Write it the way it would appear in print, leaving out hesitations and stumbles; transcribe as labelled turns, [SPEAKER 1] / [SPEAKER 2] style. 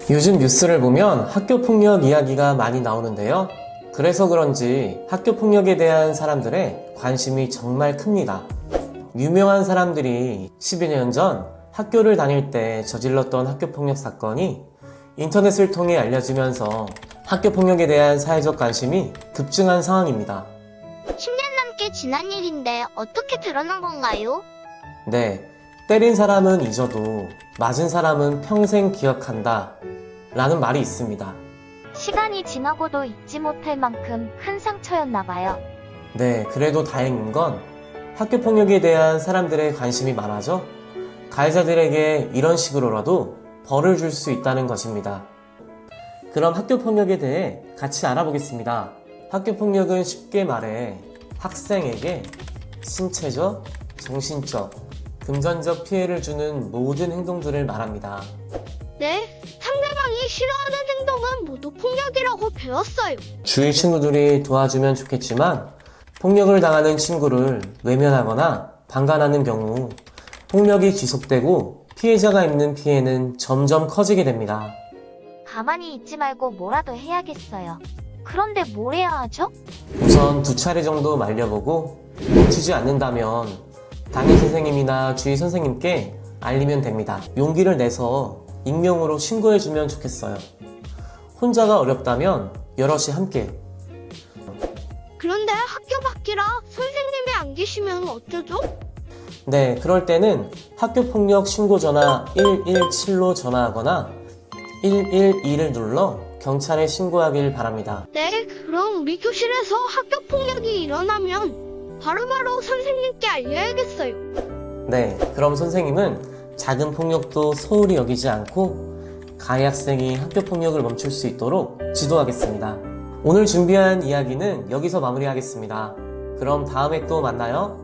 [SPEAKER 1] 요즘 뉴스를 보면 학교 폭력 이야기가 많이 나오는데요. 그래서 그런지 학교 폭력에 대한 사람들의 관심이 정말 큽니다. 유명한 사람들이 10여 년 전 학교를 다닐 때 저질렀던 학교 폭력 사건이 인터넷을 통해 알려지면서 학교 폭력에 대한 사회적 관심이 급증한 상황입니다.
[SPEAKER 2] 10년 넘게 지난 일인데 어떻게 드러난 건가요?
[SPEAKER 1] 네, 때린 사람은 잊어도 맞은 사람은 평생 기억한다 라는 말이 있습니다.
[SPEAKER 3] 시간이 지나고도 잊지 못할 만큼 큰 상처였나 봐요.
[SPEAKER 1] 네, 그래도 다행인 건 학교 폭력에 대한 사람들의 관심이 많아져 가해자들에게 이런 식으로라도 벌을 줄 수 있다는 것입니다. 그럼 학교 폭력에 대해 같이 알아보겠습니다. 학교 폭력은 쉽게 말해 학생에게 신체적, 정신적, 금전적 피해를 주는 모든 행동들을 말합니다.
[SPEAKER 2] 네, 상대방이 싫어하는 행동은 모두 폭력이라고 배웠어요.
[SPEAKER 1] 주위 친구들이 도와주면 좋겠지만 폭력을 당하는 친구를 외면하거나 방관하는 경우 폭력이 지속되고 피해자가 입는 피해는 점점 커지게 됩니다.
[SPEAKER 3] 가만히 있지 말고 뭐라도 해야겠어요. 그런데 뭘 해야 하죠?
[SPEAKER 1] 우선 2차례 정도 말려보고 멈추지 않는다면 담임 선생님이나 주위 선생님께 알리면 됩니다. 용기를 내서 익명으로 신고해주면 좋겠어요. 혼자가 어렵다면 여럿이 함께.
[SPEAKER 2] 그런데 학교 밖이라 선생님이 안 계시면 어쩌죠?
[SPEAKER 1] 네, 그럴 때는 학교폭력 신고전화 117로 전화하거나 112를 눌러 경찰에 신고하길 바랍니다.
[SPEAKER 2] 네, 그럼 우리 교실에서 학교 폭력이 일어나면 바로바로 선생님께 알려야겠어요.
[SPEAKER 1] 네, 그럼 선생님은 작은 폭력도 소홀히 여기지 않고 가해 학생이 학교폭력을 멈출 수 있도록 지도하겠습니다. 오늘 준비한 이야기는 여기서 마무리하겠습니다. 그럼 다음에 또 만나요.